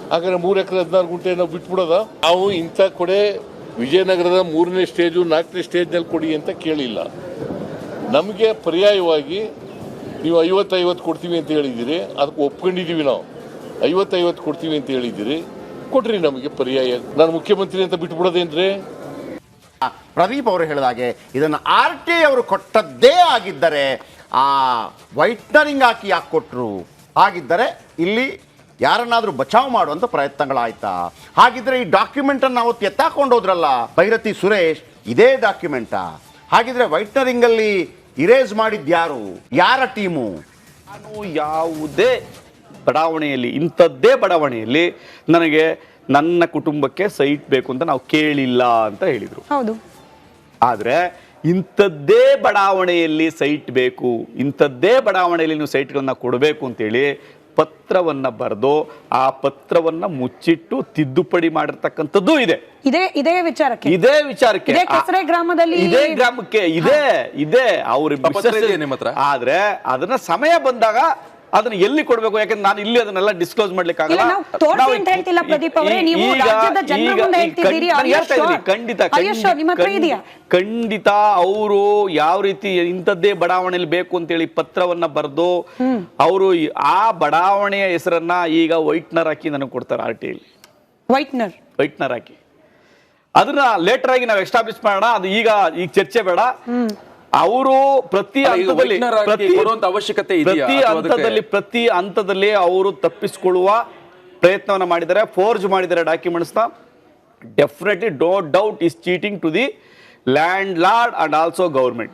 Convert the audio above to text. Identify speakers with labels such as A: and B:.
A: ಹಾಗಾದ್ರೆ 3 ಎಕರೆ 16 ಗುಂಟೆ ನಾವು ಬಿಟ್ಬಿಡೋದ? ನಾವು ಇಂಥ ಕೊಡೆ ವಿಜಯನಗರದ 3ನೇ ಸ್ಟೇಜು 4ನೇ ಸ್ಟೇಜ್ನಲ್ಲಿ ಕೊಡಿ ಅಂತ ಕೇಳಿಲ್ಲ. ನಮಗೆ ಪರ್ಯಾಯವಾಗಿ ನೀವು 50-50 ಕೊಡ್ತೀವಿ ಅಂತ ಹೇಳಿದ್ದೀರಿ, ಅದಕ್ಕೆ ಒಪ್ಕೊಂಡಿದ್ದೀವಿ. ನಾವು 50-50 ಕೊಡ್ತೀವಿ ಅಂತ ಹೇಳಿದ್ದೀರಿ, ಕೊಡ್ರಿ ನಮಗೆ ಪರ್ಯಾಯ. ನಾನು ಮುಖ್ಯಮಂತ್ರಿ ಅಂತ ಬಿಟ್ಬಿಡೋದೇನ್ರಿ?
B: ಪ್ರದೀಪ್ ಅವರು ಹೇಳಿದಾಗೆ ಇದನ್ನು RTI ಅವರು ಕೊಟ್ಟದ್ದೇ ಆಗಿದ್ದರೆ ಆ ವೈಟ್ನರಿಂಗ್ ಹಾಕಿ ಯಾಕೆ ಕೊಟ್ಟರು? ಹಾಗಿದ್ದರೆ ಇಲ್ಲಿ ಯಾರನ್ನಾದರೂ ಬಚಾವ್ ಮಾಡುವಂಥ ಪ್ರಯತ್ನಗಳಾಯ್ತಾ? ಹಾಗಿದ್ರೆ ಈ ಡಾಕ್ಯುಮೆಂಟನ್ನು ಅವತ್ತು ಎತ್ತಾಕೊಂಡು ಹೋದ್ರಲ್ಲ ಭೈರತಿ ಸುರೇಶ್, ಇದೇ ಡಾಕ್ಯುಮೆಂಟಾ? ಹಾಗಿದ್ರೆ ವೈಟ್ನರಿಂಗಲ್ಲಿ ಇರೇಸ್ ಮಾಡಿದ್ಯಾರು? ಯಾರ ಟೀಮು?
C: ನಾನು ಯಾವುದೇ ಬಡಾವಣೆಯಲ್ಲಿ, ಇಂಥದ್ದೇ ಬಡಾವಣೆಯಲ್ಲಿ ನನಗೆ ನನ್ನ ಕುಟುಂಬಕ್ಕೆ ಸೈಟ್ ಬೇಕು ಅಂತ ನಾವು ಕೇಳಿಲ್ಲ ಅಂತ ಹೇಳಿದರು.
D: ಹೌದು.
C: ಆದರೆ ಇಂಥದ್ದೇ ಬಡಾವಣೆಯಲ್ಲಿ ಸೈಟ್ ಬೇಕು, ಇಂಥದ್ದೇ ಬಡಾವಣೆಯಲ್ಲಿ ನೀವು ಸೈಟ್ಗಳನ್ನ ಕೊಡಬೇಕು ಅಂತೇಳಿ ಪತ್ರವನ್ನು ಬರೆದು ಆ ಪತ್ರವನ್ನು ಮುಚ್ಚಿಟ್ಟು ತಿದ್ದುಪಡಿ ಮಾಡಿರ್ತಕ್ಕಂಥದ್ದು ಇದೆ.
D: ಇದೇ ವಿಚಾರಕ್ಕೆ ಕೆಸರೆ ಗ್ರಾಮದಲ್ಲಿ
C: ಇದೇ ಗ್ರಾಮಕ್ಕೆ ಇದೆ ಅವ್ರ. ಆದ್ರೆ ಅದನ್ನ ಸಮಯ ಬಂದಾಗ ಅದನ್ನ ಎಲ್ಲಿ ಕೊಡ್ಬೇಕು? ಯಾಕಂದ್ರೆ ನಾನು ಇಲ್ಲಿ ಅದನ್ನೆಲ್ಲ ಡಿಸ್ಕ್ಲೋಸ್ ಮಾಡ್ಲಿಕ್ಕೆ ಆಗಲ್ಲ. ಖಂಡಿತ ಅವರು ಯಾವ ರೀತಿ ಇಂಥದ್ದೇ ಬಡಾವಣೆಯಲ್ಲಿ ಬೇಕು ಅಂತೇಳಿ ಪತ್ರವನ್ನ ಬರೆದು ಅವರು ಆ ಬಡಾವಣೆಯ ಹೆಸರನ್ನ ಈಗ ವೈಟ್ನರ್ ಹಾಕಿ ನನಗೆ ಕೊಡ್ತಾರೆ. RTI ವೈಟ್ನರ್ ಹಾಕಿ ಅದನ್ನ ಲೇಟರ್ ಆಗಿ ನಾವು ಎಸ್ಟಾಬ್ಲಿಷ್ ಮಾಡೋಣ. ಅದು ಈಗ ಚರ್ಚೆ ಬೇಡ. ಅವರು ಪ್ರತಿ ಹಂತದಲ್ಲಿ ಅವರು ತಪ್ಪಿಸಿಕೊಳ್ಳುವ ಪ್ರಯತ್ನವನ್ನು ಮಾಡಿದ್ದಾರೆ, ಫೋರ್ಜ್ ಮಾಡಿದ್ದಾರೆ ಡಾಕ್ಯುಮೆಂಟ್ಸ್ ನ. Definitely no doubt is cheating to the landlord and also government.